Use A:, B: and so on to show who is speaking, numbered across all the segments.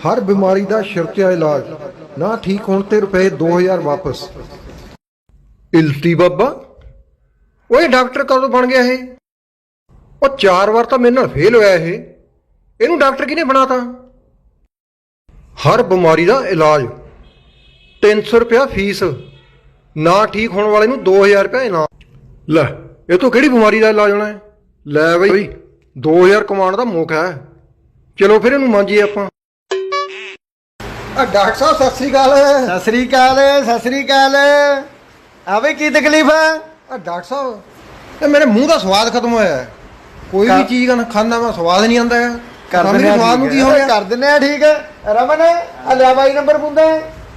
A: हर बीमारी का शिरतिया इलाज ना ठीक होने ते रुपए 2000 वापस। इल्टी बाबा ओए डॉक्टर कदों बन गया है? और 4 बार तो मेरे नाल फेल होया है। इनू डॉक्टर किने बनाता? हर बीमारी का इलाज 300 रुपया फीस, ना ठीक होने वाले नू 2000 रुपया इनाम। लै ये तो किहड़ी बीमारी का इलाज होना है? लै बई 2000 कमाने का मौका है। चलो फिर इनू मांजीए आपां। डॉक्टर साहब सत श्री अकाल।
B: सत श्री अकाल, सत श्री अकाल। आवे की तकलीफ है?
A: डॉक्टर साहब ये मेरे मुंह का स्वाद खत्म होया है। कोई भी चीज का खाना मैं स्वाद नहीं आंदा है।
B: कर दिने
A: स्वाद नू की हो गया?
B: कर दिने ठीक है। रमन आ लिया बाई नंबर पुंदा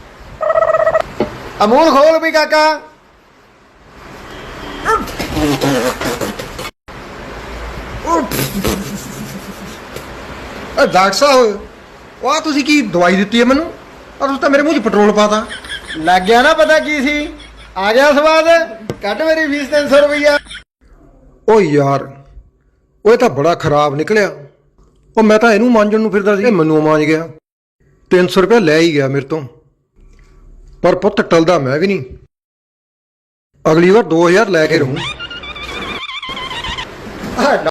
B: अमूल खोल भी काका।
A: डॉक्टर साहब वाह तुसी की दवाई दी है मैनू और तुस तो मेरे मुंह च पेट्रोल पाता।
B: लग गया ना पता की सी? आ गया स्वाद? कट मेरी फीस 300 रुपया।
A: ओ यार वो तो बड़ा खराब निकलिया। ਉਹ मैं तो ਇਹਨੂੰ ਮਾਂਜਣ ਨੂੰ ਫਿਰਦਾ ਸੀ, ਮੈਨੂੰ ਮਾਂਜ ਗਿਆ। 300 रुपया ਲੈ ਹੀ ਗਿਆ ਮੇਰੇ ਤੋਂ। ਪਰ ਪੁੱਤ ਟਲਦਾ ਮੈਂ ਵੀ ਨਹੀਂ। ਅਗਲੀ ਵਾਰ 2000 ਲੈ ਕੇ ਰਹੂੰ।